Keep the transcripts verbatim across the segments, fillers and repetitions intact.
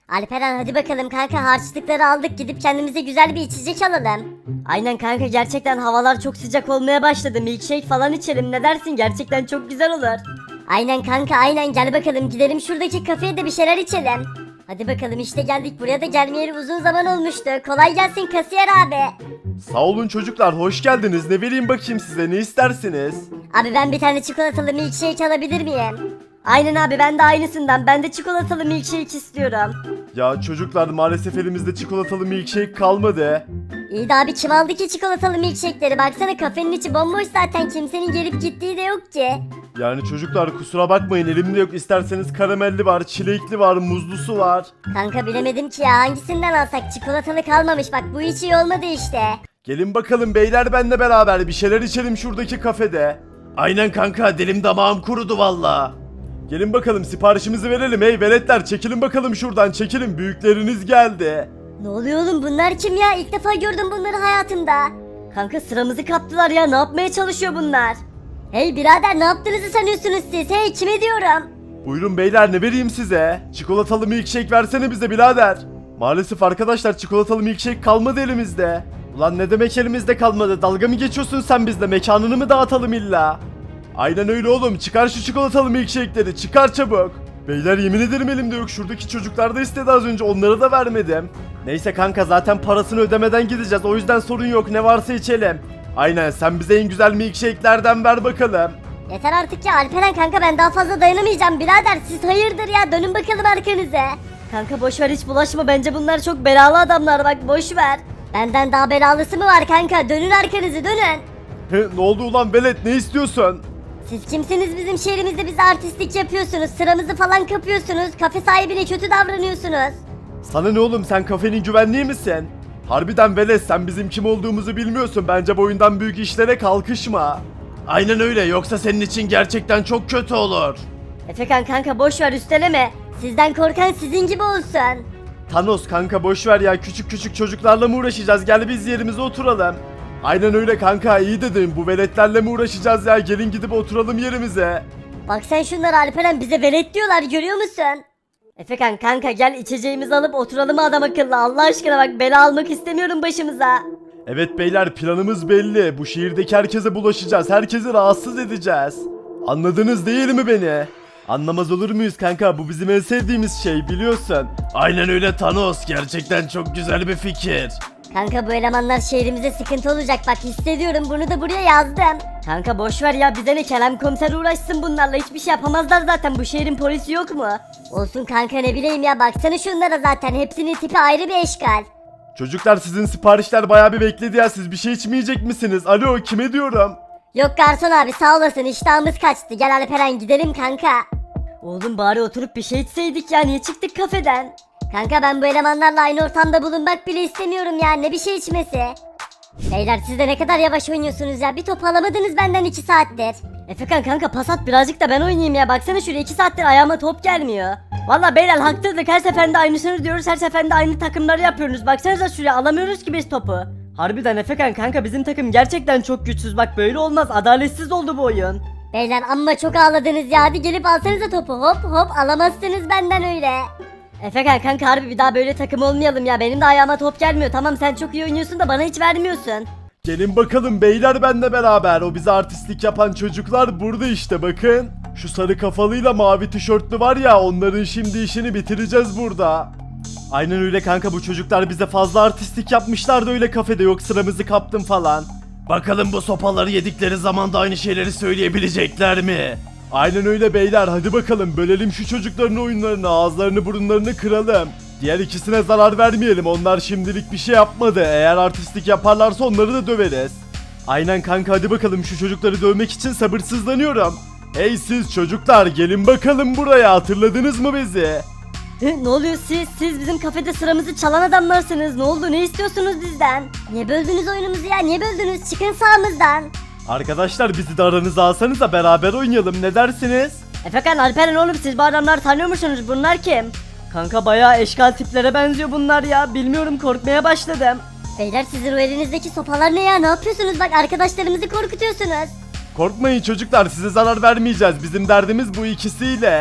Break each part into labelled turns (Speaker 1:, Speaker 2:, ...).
Speaker 1: Alperen hadi bakalım kanka, harçlıkları aldık, gidip kendimize güzel bir içecek alalım.
Speaker 2: Aynen kanka, gerçekten havalar çok sıcak olmaya başladı. Milkshake falan içelim, ne dersin? Gerçekten çok güzel olur.
Speaker 1: Aynen kanka aynen, gel bakalım gidelim şuradaki kafeye de bir şeyler içelim. Hadi bakalım işte geldik, buraya da gelmeyeli uzun zaman olmuştu. Kolay gelsin kasiyer abi.
Speaker 3: Sağ olun çocuklar, hoş geldiniz. Ne vereyim bakayım size, ne istersiniz?
Speaker 1: Abi ben bir tane çikolatalı milkshake alabilir miyim?
Speaker 2: Aynen abi, ben de aynısından. Ben de çikolatalı milkshake istiyorum.
Speaker 3: Ya çocuklar, maalesef elimizde çikolatalı milkshake kalmadı.
Speaker 1: İyi de abi kim aldı ki çikolatalı milkshake'leri? Baksana kafenin içi bomboş zaten, kimsenin gelip gittiği de yok ki.
Speaker 3: Yani çocuklar kusura bakmayın, elimde yok. İsterseniz karamelli var, çilekli var, muzlusu var.
Speaker 1: Kanka bilemedim ki ya, hangisinden alsak? Çikolatalı kalmamış, bak bu hiç iyi olmadı işte.
Speaker 3: Gelin bakalım beyler, benle beraber bir şeyler içelim şuradaki kafede. Aynen kanka, dilim damağım kurudu valla. Gelin bakalım siparişimizi verelim. Hey veletler, çekilin bakalım şuradan, çekilin, büyükleriniz geldi.
Speaker 1: Ne oluyor oğlum, bunlar kim ya? İlk defa gördüm bunları hayatımda.
Speaker 2: Kanka sıramızı kaptılar ya, ne yapmaya çalışıyor bunlar?
Speaker 1: Hey birader, ne yaptığınızı sanıyorsunuz siz? Hey, kime diyorum?
Speaker 3: Buyurun beyler, ne vereyim size? Çikolatalı milkshake versene bize birader. Maalesef arkadaşlar, çikolatalı milkshake kalmadı elimizde. Ulan ne demek elimizde kalmadı? Dalga mı geçiyorsun sen bizle? Mekanını mı dağıtalım illa? Aynen öyle oğlum, çıkar şu çikolatalı milkshake'leri, çıkar çabuk. Beyler yemin ederim elimde yok. Şuradaki çocuklar da istedi az önce, onlara da vermedim. Neyse kanka, zaten parasını ödemeden gideceğiz, o yüzden sorun yok, ne varsa içelim. Aynen, sen bize en güzel milkshake'lerden ver bakalım.
Speaker 1: Yeter artık ya Alperen kanka, ben daha fazla dayanamayacağım birader. Siz hayırdır ya, dönün bakalım arkanıza.
Speaker 2: Kanka boşver, hiç bulaşma, bence bunlar çok belalı adamlar, bak boşver.
Speaker 1: Benden daha belalısı mı var kanka? Dönün arkanızı, dönün.
Speaker 3: He, ne oldu ulan velet, ne istiyorsun?
Speaker 1: Siz kimsiniz bizim şehrimizde bize artistlik yapıyorsunuz, sıramızı falan kapıyorsunuz, kafe sahibine kötü davranıyorsunuz.
Speaker 3: Sana ne oğlum, sen kafenin güvenliği misin? Harbiden velet, sen bizim kim olduğumuzu bilmiyorsun. Bence boyundan büyük işlere kalkışma. Aynen öyle, yoksa senin için gerçekten çok kötü olur.
Speaker 2: Efekan kanka boşver, üsteleme.
Speaker 1: Sizden korkan sizin gibi olsun.
Speaker 3: Thanos kanka boşver ya, küçük küçük çocuklarla mı uğraşacağız, gel biz yerimize oturalım. Aynen öyle kanka, iyi dedim, bu veletlerle mi uğraşacağız ya, gelin gidip oturalım yerimize.
Speaker 1: Bak sen şunları Alperen, bize velet diyorlar, görüyor musun?
Speaker 2: Efekan kanka gel, içeceğimizi alıp oturalım adam akıllı, Allah aşkına bak, bela almak istemiyorum başımıza.
Speaker 3: Evet beyler, planımız belli, bu şehirdeki herkese bulaşacağız, herkesi rahatsız edeceğiz. Anladınız değil mi beni? Anlamaz olur muyuz kanka, bu bizim en sevdiğimiz şey biliyorsun. Aynen öyle Thanos, gerçekten çok güzel bir fikir.
Speaker 1: Kanka bu elemanlar şehrimize sıkıntı olacak, bak hissediyorum, bunu da buraya yazdım.
Speaker 2: Kanka boşver ya, bize ne, Kerem komiser uğraşsın bunlarla, hiçbir şey yapamazlar zaten, bu şehrin polisi yok mu?
Speaker 1: Olsun kanka, ne bileyim ya, baksana şunlara, zaten hepsinin tipi ayrı bir eşkal.
Speaker 3: Çocuklar, sizin siparişler bayağı bir bekledi ya, siz bir şey içmeyecek misiniz? Alo, kime diyorum?
Speaker 1: Yok garson abi, sağ olasın, iştahımız kaçtı, gel Alperen gidelim kanka.
Speaker 2: Oğlum bari oturup bir şey içseydik ya, niye çıktık kafeden?
Speaker 1: Kanka ben bu elemanlarla aynı ortamda bulunmak bile istemiyorum ya, ne bir şey içmesi. Beyler siz de ne kadar yavaş oynuyorsunuz ya, bir top alamadınız benden iki saattir.
Speaker 2: Efekan kanka pas at birazcık da ben oynayayım ya, baksana şuraya, iki saattir ayağıma top gelmiyor. Valla beyler haklıydık, her seferinde aynısını diyoruz, her seferinde aynı takımları yapıyoruz, baksanıza şuraya, alamıyoruz ki biz topu. Harbiden Efekan kanka, bizim takım gerçekten çok güçsüz, bak böyle olmaz, adaletsiz oldu bu oyun.
Speaker 1: Beyler amma çok ağladınız ya, hadi gelip alsanıza topu, hop hop, alamazsınız benden öyle.
Speaker 2: Efekan kanka harbi bir daha böyle takım olmayalım ya, benim de ayağıma top gelmiyor, tamam sen çok iyi oynuyorsun da bana hiç vermiyorsun.
Speaker 3: Gelin bakalım beyler benle beraber, o bize artistlik yapan çocuklar burada işte, bakın. Şu sarı kafalıyla mavi tişörtlü var ya, onların şimdi işini bitireceğiz burada. Aynen öyle kanka, bu çocuklar bize fazla artistlik yapmışlardı öyle kafede, yok sıramızı kaptım falan. Bakalım bu sopaları yedikleri zaman da aynı şeyleri söyleyebilecekler mi? Aynen öyle beyler, hadi bakalım bölelim şu çocukların oyunlarını, ağızlarını burunlarını kıralım. Diğer ikisine zarar vermeyelim, onlar şimdilik bir şey yapmadı, eğer artistlik yaparlarsa onları da döveriz. Aynen kanka, hadi bakalım, şu çocukları dövmek için sabırsızlanıyorum. Hey siz çocuklar, gelin bakalım buraya, hatırladınız mı bizi?
Speaker 2: Hı, ne oluyor siz? Siz bizim kafede sıramızı çalan adamlarsınız. Ne oldu? Ne istiyorsunuz bizden?
Speaker 1: Niye böldünüz oyunumuzu ya, niye böldünüz, çıkın sağımızdan.
Speaker 3: Arkadaşlar bizi de aranıza alsanız da beraber oynayalım, ne dersiniz?
Speaker 2: Efekan, Alperen oğlum, siz bu adamları tanıyor musunuz? Bunlar kim? Kanka bayağı eşkal tiplere benziyor bunlar ya. Bilmiyorum, korkmaya başladım.
Speaker 1: Beyler sizin o elinizdeki sopalar ne ya, ne yapıyorsunuz, bak arkadaşlarımızı korkutuyorsunuz.
Speaker 3: Korkmayın çocuklar, size zarar vermeyeceğiz, bizim derdimiz bu ikisiyle.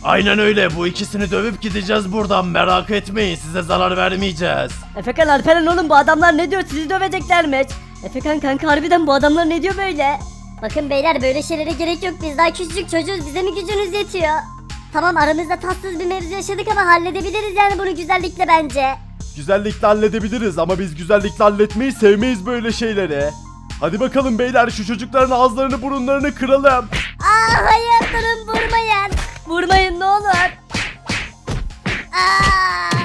Speaker 3: Aynen öyle, bu ikisini dövüp gideceğiz buradan, merak etmeyin, size zarar vermeyeceğiz.
Speaker 2: Efekan, Alperen oğlum, bu adamlar ne diyor, sizi döveceklermiş. Efekan kanka, harbiden bu adamlar ne diyor böyle?
Speaker 1: Bakın beyler, böyle şeylere gerek yok, biz daha küçücük çocuğuz, bize mi gücünüz yetiyor? Tamam, aramızda tatsız bir mevzu yaşadık ama halledebiliriz yani bunu güzellikle bence.
Speaker 3: Güzellikle halledebiliriz ama biz güzellikle halletmeyi sevmeyiz böyle şeyleri. Hadi bakalım beyler, şu çocukların ağızlarını burunlarını kıralım.
Speaker 1: Aa hayır, durun, vurmayın.
Speaker 2: Vurmayın ne olur.
Speaker 1: Aa!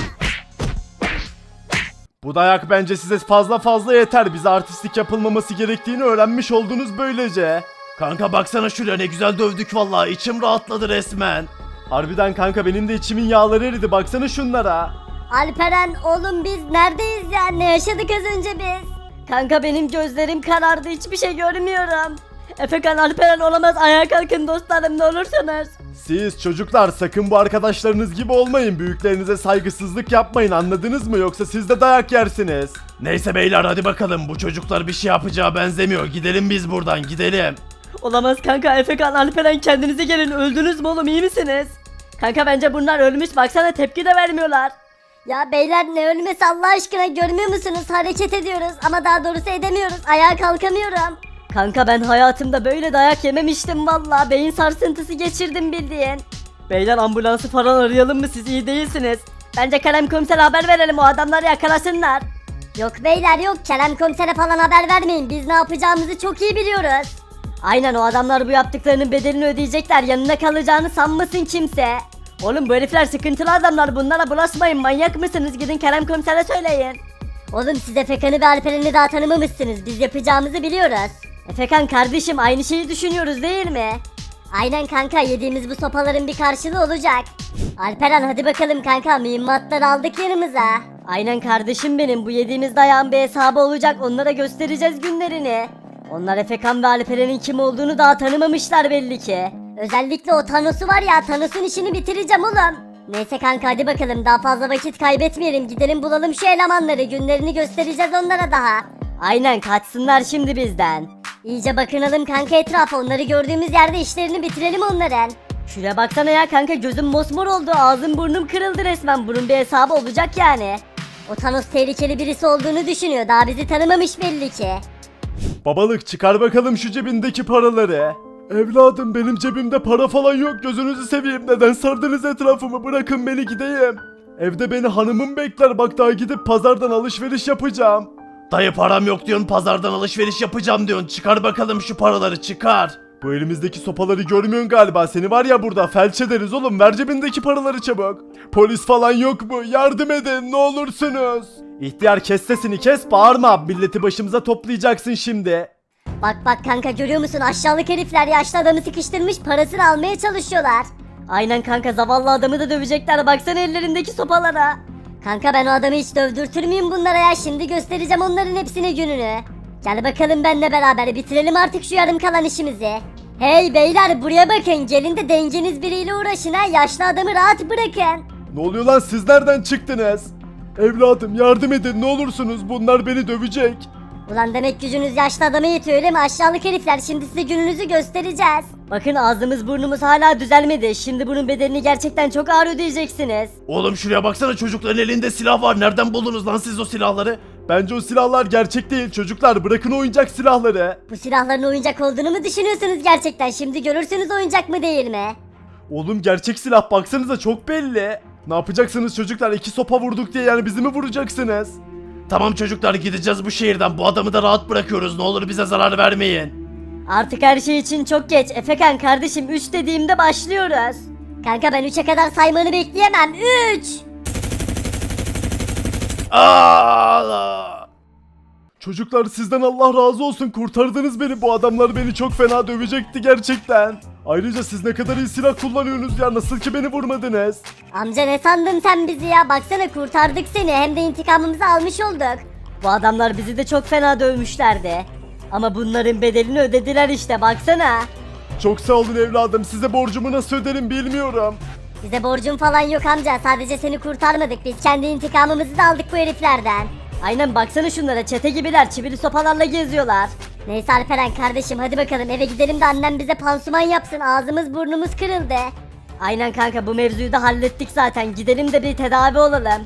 Speaker 3: Bu dayak bence size fazla fazla yeter. Bize artistlik yapılmaması gerektiğini öğrenmiş oldunuz böylece. Kanka baksana şuraya, ne güzel dövdük vallahi, içim rahatladı resmen. Harbiden kanka, benim de içimin yağları eridi, baksana şunlara.
Speaker 1: Alperen oğlum, biz neredeyiz ya, ne yaşadık az önce biz?
Speaker 2: Kanka benim gözlerim karardı, hiçbir şey görmüyorum. Efekan, Alperen olamaz, ayağa kalkın dostlarım ne olursunuz.
Speaker 3: Siz çocuklar sakın bu arkadaşlarınız gibi olmayın. Büyüklerinize saygısızlık yapmayın, anladınız mı? Yoksa siz de dayak yersiniz. Neyse beyler, hadi bakalım, bu çocuklar bir şey yapacağı benzemiyor. Gidelim biz buradan, gidelim.
Speaker 2: Olamaz kanka, Efekan, Alperen kendinize gelin, öldünüz mü oğlum, iyi misiniz? Kanka bence bunlar ölmüş, baksana tepki de vermiyorlar.
Speaker 1: Ya beyler, ne ölmesi Allah aşkına, görmüyor musunuz? Hareket ediyoruz ama daha doğrusu edemiyoruz, ayağa kalkamıyorum.
Speaker 2: Kanka ben hayatımda böyle dayak yememiştim valla, beyin sarsıntısı geçirdim bildiğin. Beyler ambulansı falan arayalım mı, siz iyi değilsiniz. Bence Kerem Komiser'e haber verelim, o adamları yakalasınlar.
Speaker 1: Yok beyler yok, Kerem Komiser'e falan haber vermeyin, biz ne yapacağımızı çok iyi biliyoruz.
Speaker 2: Aynen, o adamlar bu yaptıklarının bedelini ödeyecekler, yanına kalacağını sanmasın kimse. Oğlum bu herifler sıkıntılı adamlar, bunlara bulaşmayın, manyak mısınız, gidin Kerem Komiser'e söyleyin.
Speaker 1: Oğlum siz Efekan'ı ve Alperen'i daha tanımamışsınız, biz yapacağımızı biliyoruz.
Speaker 2: Efekan kardeşim, aynı şeyi düşünüyoruz değil mi?
Speaker 1: Aynen kanka, yediğimiz bu sopaların bir karşılığı olacak. Alperen hadi bakalım kanka, mühimmatları aldık yanımıza.
Speaker 2: Aynen kardeşim benim, bu yediğimiz dayağın bir hesabı olacak, onlara göstereceğiz günlerini. Onlar Efekan ve Alperen'in kim olduğunu daha tanımamışlar belli ki.
Speaker 1: Özellikle o Thanos'u var ya, Thanos'un işini bitireceğim oğlum. Neyse kanka, hadi bakalım, daha fazla vakit kaybetmeyelim, gidelim bulalım şu elemanları, günlerini göstereceğiz onlara daha.
Speaker 2: Aynen, kaçsınlar şimdi bizden.
Speaker 1: İyice bakınalım kanka etrafa, onları gördüğümüz yerde işlerini bitirelim onların.
Speaker 2: Şuraya baksana ya kanka, gözüm mosmor oldu, ağzım burnum kırıldı resmen, bunun bir hesabı olacak yani.
Speaker 1: O Thanos tehlikeli birisi olduğunu düşünüyor, daha bizi tanımamış belli ki.
Speaker 3: Babalık, çıkar bakalım şu cebindeki paraları. Evladım, benim cebimde para falan yok, gözünüzü seveyim, neden sardınız etrafımı, bırakın beni gideyim. Evde beni hanımım bekler, bak daha gidip pazardan alışveriş yapacağım. Dayı param yok diyorsun, pazardan alışveriş yapacağım diyorsun, çıkar bakalım şu paraları, çıkar. Bu elimizdeki sopaları görmüyorsun galiba, seni var ya burada felç ederiz oğlum, ver cebindeki paraları çabuk. Polis falan yok mu, yardım edin ne olursunuz. İhtiyar kes sesini, kes, bağırma, milleti başımıza toplayacaksın şimdi.
Speaker 1: Bak bak kanka, görüyor musun, aşağılık herifler yaşlı adamı sıkıştırmış, parasını almaya çalışıyorlar.
Speaker 2: Aynen kanka, zavallı adamı da dövecekler, baksana ellerindeki sopalara.
Speaker 1: Kanka ben o adamı hiç dövdürtür müyüm bunlara ya, şimdi göstereceğim onların hepsine gününü. Gel bakalım benimle beraber, bitirelim artık şu yarım kalan işimizi. Hey beyler, buraya bakın, gelin de dengeniz biriyle uğraşın ha, yaşlı adamı rahat bırakın.
Speaker 3: Ne oluyor lan, siz nereden çıktınız? Evladım yardım edin ne olursunuz, bunlar beni dövecek.
Speaker 1: Ulan demek gücünüz yaşlı adama yetiyor öyle mi, aşağılık herifler, şimdi size gününüzü göstereceğiz.
Speaker 2: Bakın ağzımız burnumuz hala düzelmedi, şimdi bunun bedelini gerçekten çok ağır ödeyeceksiniz.
Speaker 3: Oğlum şuraya baksana, çocukların elinde silah var, nereden buldunuz lan siz o silahları? Bence o silahlar gerçek değil çocuklar, bırakın oyuncak silahları.
Speaker 1: Bu silahların oyuncak olduğunu mu düşünüyorsunuz gerçekten, şimdi görürsünüz oyuncak mı değil mi?
Speaker 3: Oğlum gerçek silah, baksanıza çok belli. Ne yapacaksınız çocuklar, iki sopa vurduk diye yani bizi mi vuracaksınız? Tamam çocuklar, gideceğiz bu şehirden, bu adamı da rahat bırakıyoruz, ne olur bize zarar vermeyin.
Speaker 2: Artık her şey için çok geç. Efekan kardeşim, üç dediğimde başlıyoruz.
Speaker 1: Kanka ben üçe kadar saymanı bekleyemem, üç.
Speaker 3: Aa! Çocuklar sizden Allah razı olsun, kurtardınız beni, bu adamlar beni çok fena dövecekti gerçekten. Ayrıca siz ne kadar iyi silah kullanıyorsunuz ya, nasıl ki beni vurmadınız?
Speaker 1: Amca ne sandın sen bizi ya, baksana kurtardık seni, hem de intikamımızı almış olduk.
Speaker 2: Bu adamlar bizi de çok fena dövmüşlerdi. Ama bunların bedelini ödediler işte, baksana.
Speaker 3: Çok sağ olun evladım, size borcumu nasıl öderim bilmiyorum.
Speaker 1: Bize borcun falan yok amca, sadece seni kurtarmadık, biz kendi intikamımızı da aldık bu heriflerden.
Speaker 2: Aynen, baksana şunlara, çete gibiler, çivili sopalarla geziyorlar.
Speaker 1: Neyse Alperen kardeşim, hadi bakalım eve gidelim de annem bize pansuman yapsın, ağzımız burnumuz kırıldı.
Speaker 2: Aynen kanka, bu mevzuyu da hallettik zaten. Gidelim de bir tedavi olalım.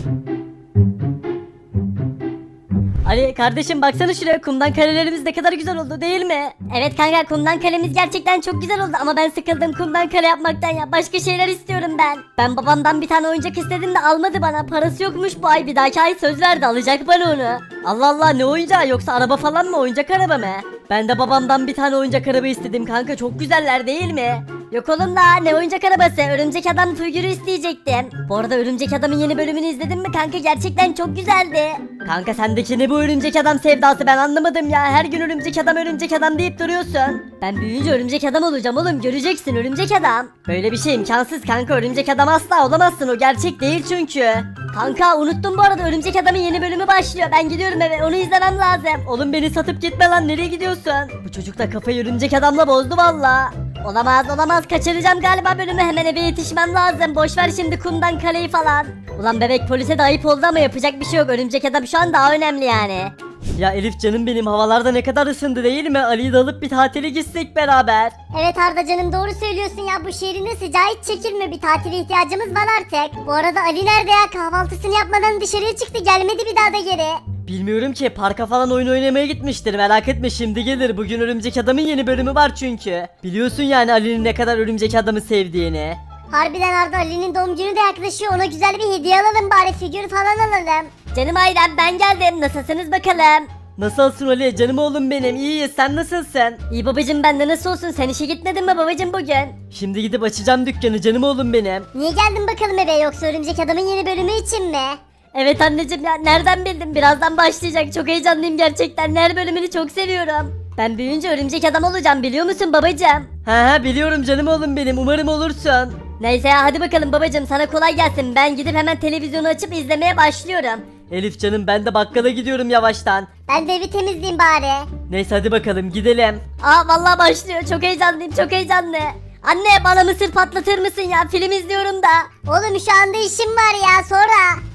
Speaker 2: Ali kardeşim, baksana şuraya, kumdan kalelerimiz ne kadar güzel oldu değil mi?
Speaker 1: Evet kanka, kumdan kalemiz gerçekten çok güzel oldu ama ben sıkıldım kumdan kale yapmaktan ya. Başka şeyler istiyorum ben. Ben babamdan bir tane oyuncak istedim de almadı bana. Parası yokmuş bu ay, bir dahaki ay söz verdi alacak bana onu.
Speaker 2: Allah Allah, ne oyuncağı, yoksa araba falan mı, oyuncak araba mı? Ben de babamdan bir tane oyuncak araba istedim kanka, çok güzeller değil mi?
Speaker 1: Yok oğlum da ne oyuncak arabası, örümcek adam figürü isteyecektim. Bu arada örümcek adamın yeni bölümünü izledin mi kanka, gerçekten çok güzeldi.
Speaker 2: Kanka sendeki ne bu örümcek adam sevdası, ben anlamadım ya. Her gün örümcek adam örümcek adam deyip duruyorsun.
Speaker 1: Ben büyüyünce örümcek adam olacağım oğlum, göreceksin örümcek adam.
Speaker 2: Böyle bir şey imkansız kanka, örümcek adam asla olamazsın, o gerçek değil çünkü.
Speaker 1: Kanka unuttum, bu arada örümcek adamın yeni bölümü başlıyor. Ben gidiyorum eve, onu izlemem lazım.
Speaker 2: Oğlum beni satıp gitme lan, nereye gidiyorsun? Bu çocuk da kafayı örümcek adamla bozdu valla.
Speaker 1: Olamaz olamaz, kaçıracağım galiba bölümü, hemen eve yetişmem lazım. Boş ver şimdi kumdan kaleyi falan. Ulan bebek, polise de ayıp oldu ama yapacak bir şey yok, örümcek adam şu an daha önemli yani.
Speaker 2: Ya Elif canım benim, havalarda ne kadar ısındı değil mi? Ali'yi de alıp bir tatile gitsek beraber.
Speaker 1: Evet Arda canım, doğru söylüyorsun ya, bu şehrin de sıcağı hiç çekilmiyor, bir tatile ihtiyacımız var artık. Bu arada Ali nerede ya, kahvaltısını yapmadan dışarıya çıktı, gelmedi bir daha da geri.
Speaker 2: Bilmiyorum ki, parka falan oyun oynamaya gitmiştir, merak etme şimdi gelir. Bugün örümcek adamın yeni bölümü var çünkü. Biliyorsun yani Ali'nin ne kadar örümcek adamı sevdiğini.
Speaker 1: Harbiden Arda, Ali'nin doğum günü de yaklaşıyor, ona güzel bir hediye alalım bari, figür falan alalım. Canım ailem, ben geldim, nasılsınız bakalım?
Speaker 2: Nasılsın Ali, canım oğlum benim, iyiyiz, sen nasılsın?
Speaker 1: İyi babacım, ben de nasıl olsun, sen işe gitmedin mi babacım bugün?
Speaker 2: Şimdi gidip açacağım dükkanı canım oğlum benim.
Speaker 1: Niye geldin bakalım eve, yoksa örümcek adamın yeni bölümü için mi? Evet anneciğim ya, nereden bildin, birazdan başlayacak, çok heyecanlıyım gerçekten, her bölümünü çok seviyorum. Ben büyüyünce örümcek adam olacağım, biliyor musun babacım?
Speaker 2: He he biliyorum canım oğlum benim, umarım olursun.
Speaker 1: Neyse ya, hadi bakalım babacım, sana kolay gelsin, ben gidip hemen televizyonu açıp izlemeye başlıyorum.
Speaker 2: Elif canım, ben de bakkala gidiyorum yavaştan.
Speaker 1: Ben de evi temizleyeyim bari.
Speaker 2: Neyse hadi bakalım gidelim.
Speaker 1: Aa vallahi başlıyor, çok heyecanlıyım, çok heyecanlı. Anne, bana mısır patlatır mısın ya, film izliyorum da. Oğlum şu anda işim var ya, sonra.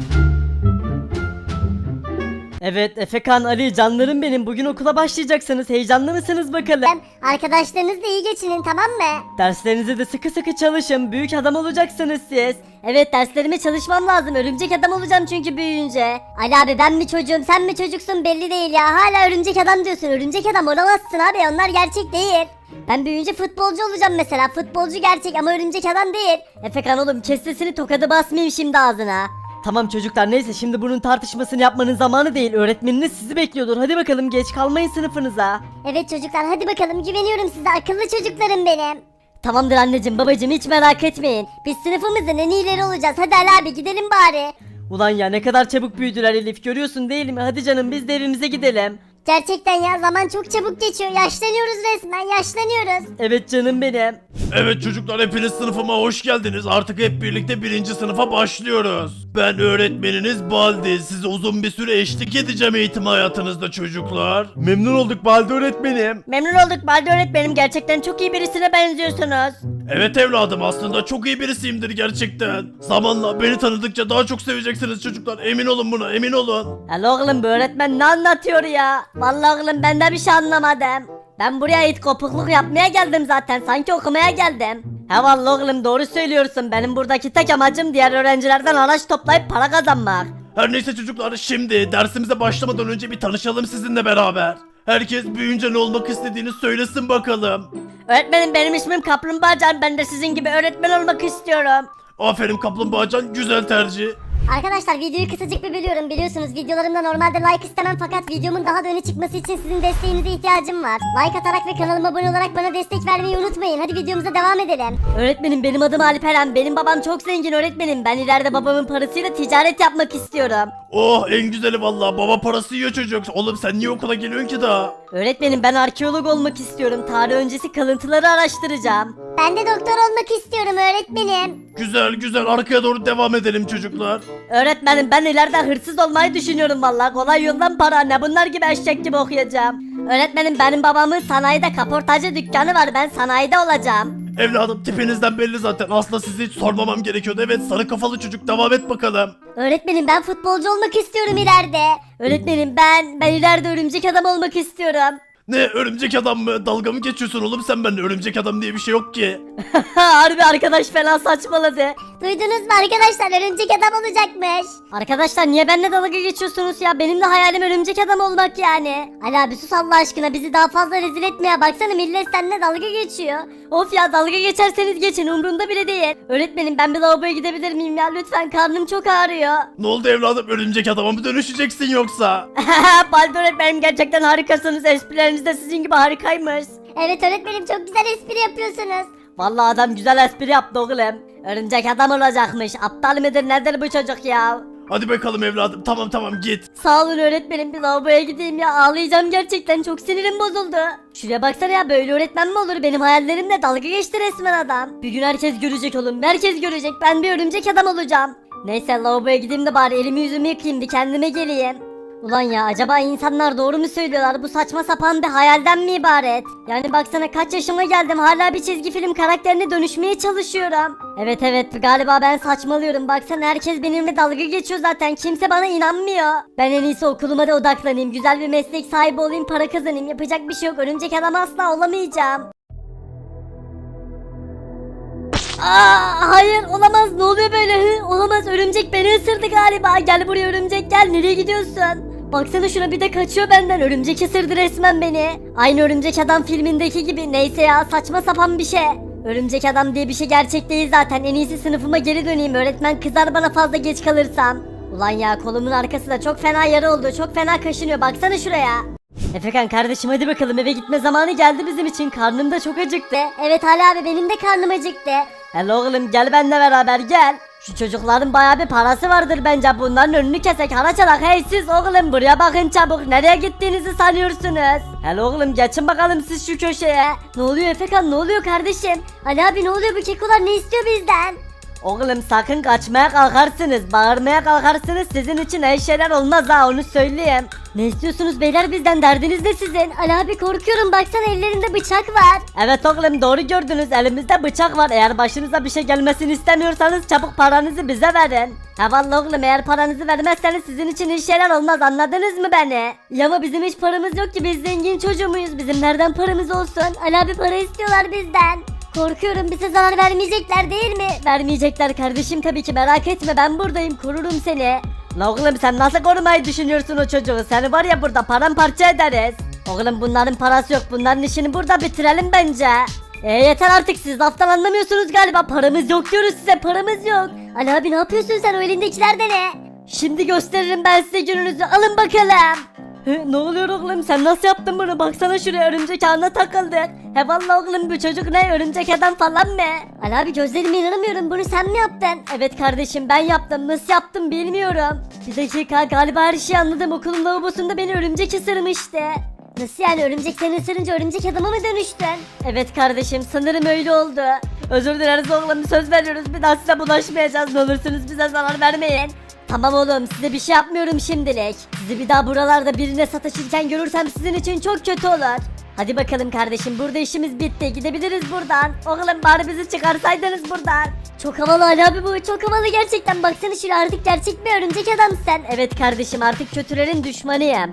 Speaker 2: Evet Efekan, Ali, canlarım benim, bugün okula başlayacaksınız, heyecanlı mısınız bakalım?
Speaker 1: Arkadaşlarınızla iyi geçinin, tamam mı?
Speaker 2: Derslerinize de sıkı sıkı çalışın, büyük adam olacaksınız siz.
Speaker 1: Evet, derslerime çalışmam lazım, örümcek adam olacağım çünkü büyüyünce. Ali abi, ben mi çocuğum sen mi çocuksun belli değil ya, hala örümcek adam diyorsun, örümcek adam olamazsın abi, onlar gerçek değil. Ben büyüyünce futbolcu olacağım mesela, futbolcu gerçek ama örümcek adam değil. Efekan oğlum, kes sesini, tokadı basmayayım şimdi ağzına.
Speaker 2: Tamam çocuklar, neyse şimdi bunun tartışmasını yapmanın zamanı değil, öğretmeniniz sizi bekliyordur, hadi bakalım geç kalmayın sınıfınıza.
Speaker 1: Evet çocuklar, hadi bakalım, güveniyorum size, akıllı çocuklarım benim. Tamamdır anneciğim babacığım, hiç merak etmeyin. Biz sınıfımızın en iyileri olacağız, hadi Ali abi gidelim bari.
Speaker 2: Ulan ya, ne kadar çabuk büyüdüler Elif, görüyorsun değil mi? Hadi canım, biz de evimize gidelim.
Speaker 1: Gerçekten ya, zaman çok çabuk geçiyor, yaşlanıyoruz resmen, yaşlanıyoruz.
Speaker 2: Evet canım benim.
Speaker 3: Evet çocuklar, hepiniz sınıfıma hoş geldiniz. Artık hep birlikte birinci sınıfa başlıyoruz. Ben öğretmeniniz Baldi. Size uzun bir süre eşlik edeceğim eğitim hayatınızda çocuklar. Memnun olduk Baldi öğretmenim.
Speaker 2: Memnun olduk Baldi öğretmenim, gerçekten çok iyi birisine benziyorsunuz.
Speaker 3: Evet evladım, aslında çok iyi birisiyimdir gerçekten. Zamanla beni tanıdıkça daha çok seveceksiniz çocuklar. Emin olun buna, emin olun.
Speaker 2: Alo oğlum, bu öğretmen ne anlatıyor ya?
Speaker 1: Vallahi oğlum, ben de bir şey anlamadım. Ben buraya it kopukluk yapmaya geldim zaten, sanki okumaya geldim.
Speaker 2: He vallahi oğlum, doğru söylüyorsun, benim buradaki tek amacım diğer öğrencilerden araç toplayıp para kazanmak.
Speaker 3: Her neyse çocuklar, şimdi dersimize başlamadan önce bir tanışalım sizinle beraber. Herkes büyüyünce ne olmak istediğini söylesin bakalım.
Speaker 2: Öğretmenim, benim ismim Kaplumbağacan, ben de sizin gibi öğretmen olmak istiyorum.
Speaker 3: Aferin Kaplumbağacan, güzel tercih.
Speaker 1: Arkadaşlar, videoyu kısacık bir bölüyorum, biliyorsunuz videolarımda normalde like istemem, fakat videomun daha da öne çıkması için sizin desteğinize ihtiyacım var. Like atarak ve kanalıma abone olarak bana destek vermeyi unutmayın. Hadi videomuza devam edelim.
Speaker 2: Öğretmenim, benim adım Alperen, benim babam çok zengin öğretmenim, ben ileride babamın parasıyla ticaret yapmak istiyorum.
Speaker 3: Oh, en güzeli vallahi, baba parası yiyor çocuk. Oğlum sen niye okula geliyorsun ki daha?
Speaker 2: Öğretmenim, ben arkeolog olmak istiyorum, tarih öncesi kalıntıları araştıracağım.
Speaker 1: Ben de doktor olmak istiyorum öğretmenim.
Speaker 3: Güzel güzel, arkaya doğru devam edelim çocuklar.
Speaker 2: Öğretmenim, ben ileride hırsız olmayı düşünüyorum vallahi, kolay yoldan para, ne bunlar gibi eşek gibi okuyacağım.
Speaker 1: Öğretmenim, benim babamın sanayide kaportacı dükkanı var, ben sanayide olacağım.
Speaker 3: Evladım, tipinizden belli zaten. Aslında sizi hiç sormamam gerekiyordu. Evet, sarı kafalı çocuk, devam et bakalım.
Speaker 1: Öğretmenim, ben futbolcu olmak istiyorum ileride. Öğretmenim, ben ben ileride örümcek adam olmak istiyorum.
Speaker 3: Ne örümcek adam mı? Dalga mı geçiyorsun oğlum sen benimle? Örümcek adam diye bir şey yok ki.
Speaker 2: Harbi arkadaş fena saçmaladı.
Speaker 1: Duydunuz mu arkadaşlar, örümcek adam olacakmış.
Speaker 2: Arkadaşlar niye benimle dalga geçiyorsunuz ya? Benim de hayalim örümcek adam olmak yani.
Speaker 1: Ali abi sus Allah aşkına, bizi daha fazla rezil etme ya. Baksana millet seninle dalga geçiyor.
Speaker 2: Of ya, dalga geçerseniz geçin, umurumda bile değil. Öğretmenim ben bir lavaboya gidebilir miyim ya? Lütfen, karnım çok ağrıyor.
Speaker 3: Ne oldu evladım, örümcek adama mı dönüşeceksin yoksa?
Speaker 2: Baldo öğretmenim gerçekten harikasınız. Esprileriniz de sizin gibi harikaymış.
Speaker 1: Evet öğretmenim, çok güzel espri yapıyorsunuz.
Speaker 2: Vallahi adam güzel espri yaptı oğlum. Örümcek adam olacakmış. Aptal mıdır nedir bu çocuk ya?
Speaker 3: Hadi bakalım evladım, tamam tamam git.
Speaker 2: Sağ olun öğretmenim, bir lavaboya gideyim ya, ağlayacağım gerçekten, çok sinirim bozuldu. Şuraya baksana ya, böyle öğretmen mi olur? Benim hayallerimle dalga geçti resmen adam. Bir gün herkes görecek oğlum, herkes görecek, ben bir örümcek adam olacağım. Neyse lavaboya gideyim de bari elimi yüzümü yıkayayım, bir kendime geleyim. Ulan ya, acaba insanlar doğru mu söylüyorlar? Bu saçma sapan bir hayalden mi ibaret? Yani baksana kaç yaşıma geldim, hala bir çizgi film karakterine dönüşmeye çalışıyorum. Evet evet, galiba ben saçmalıyorum. Baksana herkes benimle dalga geçiyor zaten. Kimse bana inanmıyor. Ben en iyisi okuluma da odaklanayım. Güzel bir meslek sahibi olayım, para kazanayım. Yapacak bir şey yok. Örümcek adam asla olamayacağım. Aa, hayır olamaz, ne oluyor böyle? Hı? Olamaz, örümcek beni ısırdı galiba. Gel buraya örümcek, gel, nereye gidiyorsun? Baksana şuna, bir de kaçıyor benden. Örümcek ısırdı resmen beni. Aynı örümcek adam filmindeki gibi. Neyse ya, saçma sapan bir şey. Örümcek adam diye bir şey gerçek değil zaten. En iyisi sınıfıma geri döneyim. Öğretmen kızar bana fazla geç kalırsam. Ulan ya, kolumun arkası da çok fena yara oldu. Çok fena kaşınıyor. Baksana şuraya. Efekan kardeşim, hadi bakalım, eve gitme zamanı geldi bizim için. Karnım da çok acıktı.
Speaker 1: Evet Ali abi, benim de karnım acıktı.
Speaker 2: Hele oğlum gel benimle beraber gel. Şu çocukların bayağı bir parası vardır bence. Bunların önünü kesek, haraç alak. Hey siz oğlum, buraya bakın çabuk. Nereye gittiğinizi sanıyorsunuz? Hele oğlum geçin bakalım siz şu köşeye.
Speaker 1: Ne oluyor Efekan, ne oluyor kardeşim? Ali abi ne oluyor, bu kekolar ne istiyor bizden?
Speaker 2: Oğlum sakın kaçmaya kalkarsınız, bağırmaya kalkarsınız, sizin için iyi şeyler olmaz ha, onu söyleyeyim.
Speaker 1: Ne istiyorsunuz beyler bizden, derdiniz ne sizin? Ali abi korkuyorum, baksana ellerinde bıçak var.
Speaker 2: Evet oğlum, doğru gördünüz, elimizde bıçak var. Eğer başınıza bir şey gelmesini istemiyorsanız çabuk paranızı bize verin. Ha vallahi oğlum, eğer paranızı vermezseniz sizin için iyi şeyler olmaz, anladınız mı beni?
Speaker 1: Ya ama bizim hiç paramız yok ki, biz zengin çocuğu muyuz? Bizim nereden paramız olsun? Ali abi para istiyorlar bizden. Korkuyorum, bize zarar vermeyecekler değil mi?
Speaker 2: Vermeyecekler kardeşim, tabii ki, merak etme, ben buradayım, korurum seni. La oğlum sen nasıl korumayı düşünüyorsun o çocuğu? Seni var ya burada paramparça ederiz. Oğlum bunların parası yok, bunların işini burada bitirelim bence. E yeter artık, siz laftan anlamıyorsunuz galiba. Paramız yok diyoruz size, paramız yok.
Speaker 1: Ali abi ne yapıyorsun sen, o elindekiler de ne?
Speaker 2: Şimdi gösteririm ben size gününüzü, alın bakalım. He, ne oluyor oğlum, sen nasıl yaptın bunu? Baksana şuraya, örümcek ağına takıldık. He vallahi oğlum, bu çocuk ne, örümcek adam falan mı?
Speaker 1: Ali abi gözlerime inanamıyorum, bunu sen mi yaptın?
Speaker 2: Evet kardeşim, ben yaptım, nasıl yaptım bilmiyorum. Bir dakika, galiba her şeyi anladım. Okulun lavabosunda beni örümcek ısırmıştı.
Speaker 1: Nasıl yani, örümcek seni ısırınca örümcek adama mı dönüştün?
Speaker 2: Evet kardeşim, sanırım öyle oldu. Özür dileriz oğlum, söz veriyoruz, bir daha size bulaşmayacağız, ne olursunuz bize zarar vermeyin. Tamam oğlum, size bir şey yapmıyorum şimdilik. Sizi bir daha buralarda birine sataşırken görürsem sizin için çok kötü olur. Hadi bakalım kardeşim, burada işimiz bitti, gidebiliriz buradan. Oğlum bari bizi çıkarsaydınız buradan.
Speaker 1: Çok havalı Ali abi bu, çok havalı gerçekten. Baksana şuraya, artık gerçek bir örümcek adam sen.
Speaker 2: Evet kardeşim, artık kötülerin düşmanıyım.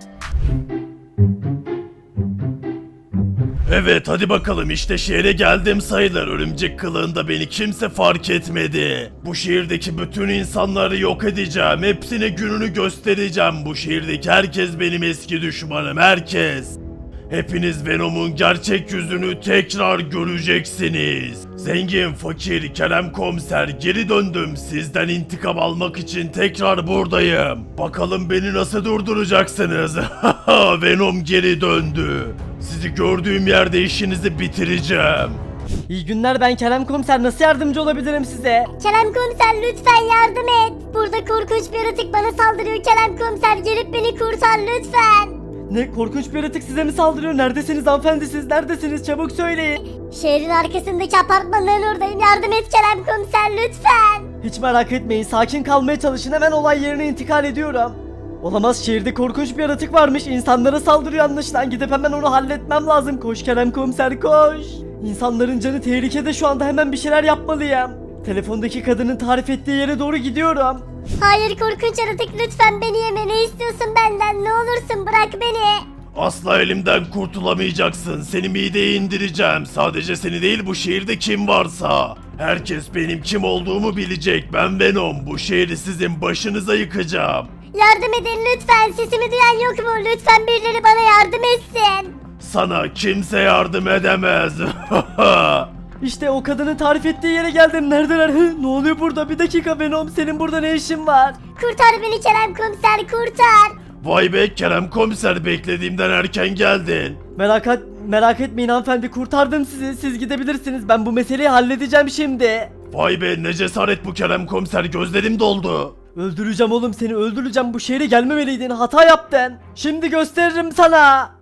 Speaker 3: Evet hadi bakalım, işte şehre geldim sayılır. Örümcek kılığında beni kimse fark etmedi. Bu şehirdeki bütün insanları yok edeceğim. Hepsine gününü göstereceğim. Bu şehirdeki herkes benim eski düşmanım, herkes. Hepiniz Venom'un gerçek yüzünü tekrar göreceksiniz. Zengin, fakir, Kerem komiser, geri döndüm. Sizden intikam almak için tekrar buradayım. Bakalım beni nasıl durduracaksınız? Venom geri döndü. Sizi gördüğüm yerde işinizi bitireceğim.
Speaker 2: İyi günler, ben Kerem komiser, nasıl yardımcı olabilirim size?
Speaker 1: Kerem komiser lütfen yardım et. Burada korkunç bir yaratık bana saldırıyor Kerem komiser, gelip beni kurtar lütfen.
Speaker 2: Ne, korkunç bir yaratık size mi saldırıyor? Neredesiniz hanımefendi, siz neredesiniz, çabuk söyleyin.
Speaker 1: Şehrin arkasındaki apartmanların oradayım, yardım et Kerem komiser lütfen.
Speaker 2: Hiç merak etmeyin, sakin kalmaya çalışın, hemen olay yerine intikal ediyorum. Olamaz, şehirde korkunç bir yaratık varmış, insanlara saldırıyor anlaşılan, gidip hemen onu halletmem lazım. Koş Kerem komiser koş. İnsanların canı tehlikede şu anda, hemen bir şeyler yapmalıyım. Telefondaki kadının tarif ettiği yere doğru gidiyorum.
Speaker 1: Hayır korkunç yaratık, lütfen beni yeme, ne istiyorsun benden, ne olursun bırak beni.
Speaker 3: Asla elimden kurtulamayacaksın. Seni mideye indireceğim. Sadece seni değil, bu şehirde kim varsa. Herkes benim kim olduğumu bilecek. Ben Venom. Bu şehri sizin başınıza yıkacağım.
Speaker 1: Yardım edin lütfen, sesimi duyan yok mu? Lütfen birileri bana yardım etsin.
Speaker 3: Sana kimse yardım edemez.
Speaker 2: İşte o kadının tarif ettiği yere geldim. Neredeler? Hı, ne oluyor burada? Bir dakika Venom, senin burada ne işin var?
Speaker 1: Kurtar beni Kerem komiser, kurtar.
Speaker 3: Vay be Kerem komiser, beklediğimden erken geldin.
Speaker 2: Merak et, merak etmeyin hanımefendi, kurtardım sizi. Siz gidebilirsiniz. Ben bu meseleyi halledeceğim şimdi.
Speaker 3: Vay be ne cesaret bu Kerem komiser, gözlerim doldu.
Speaker 2: Öldüreceğim oğlum seni, öldüreceğim. Bu şehre gelmemeliydin, hata yaptın. Şimdi gösteririm sana.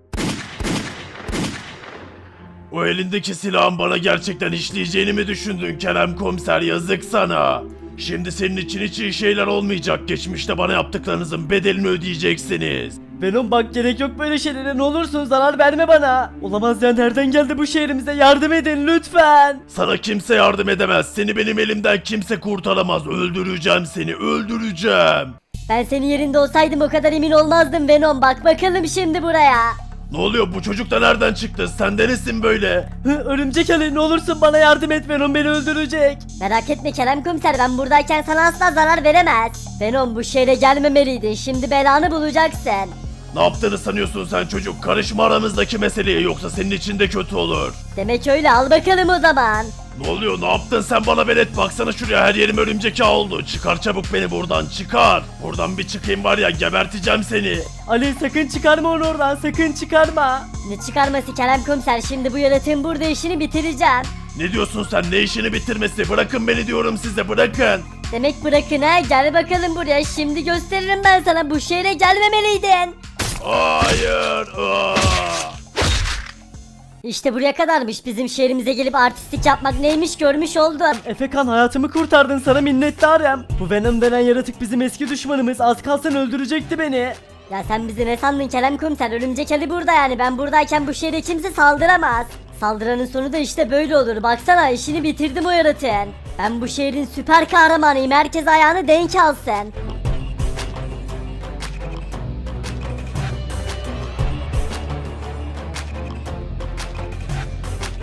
Speaker 3: O elindeki silahın bana gerçekten işleyeceğini mi düşündün Kerem komiser, yazık sana. Şimdi senin için hiç iyi şeyler olmayacak. Geçmişte bana yaptıklarınızın bedelini ödeyeceksiniz.
Speaker 2: Venom bak, gerek yok böyle şeylere, ne olursun zarar verme bana. Olamaz ya, nereden geldi bu şehrimize, yardım edin lütfen.
Speaker 3: Sana kimse yardım edemez. Seni benim elimden kimse kurtaramaz. Öldüreceğim seni, öldüreceğim.
Speaker 1: Ben senin yerinde olsaydım o kadar emin olmazdım Venom. Bak bakalım şimdi buraya.
Speaker 3: Ne oluyor, bu çocuk da nereden çıktı? Sen de nesin böyle?
Speaker 2: Hı, örümcek Ali, ne olursun bana yardım et, Venom beni öldürecek.
Speaker 1: Merak etme Kerem komiser, ben buradayken sana asla zarar veremez. Venom, bu şehre gelmemeliydin. Şimdi belanı bulacaksın.
Speaker 3: Ne yaptığını sanıyorsun sen çocuk? Karışma aramızdaki meseleye, yoksa senin için de kötü olur.
Speaker 1: Demek öyle, al bakalım o zaman.
Speaker 3: Ne oluyor, ne yaptın sen bana velet? Baksana şuraya, her yerim örümcek ağı oldu. Çıkar çabuk beni buradan, çıkar. Buradan bir çıkayım var ya, geberteceğim seni.
Speaker 2: Ali sakın çıkarma onu oradan, sakın çıkarma.
Speaker 1: Ne çıkarması Kerem komiser, şimdi bu yaratığın burada işini bitireceğim.
Speaker 3: Ne diyorsun sen, ne işini bitirmesi? Bırakın beni diyorum size, bırakın.
Speaker 1: Demek bırakın ha, gel bakalım buraya, şimdi gösteririm ben sana, bu şehre gelmemeliydin.
Speaker 3: Hayır. Aa!
Speaker 1: İşte buraya kadarmış, bizim şehrimize gelip artistlik yapmak neymiş görmüş oldun.
Speaker 2: Efekan, hayatımı kurtardın, sana minnettarım. Bu Venom denen yaratık bizim eski düşmanımız, az kalsın öldürecekti beni.
Speaker 1: Ya sen bizi ne sandın Kerem komiser, örümcek Ali burada, yani ben buradayken bu şehre kimse saldıramaz. Saldıranın sonu da işte böyle olur, baksana işini bitirdim o yaratığın. Ben bu şehrin süper kahramanıyım, herkes ayağını denk alsın.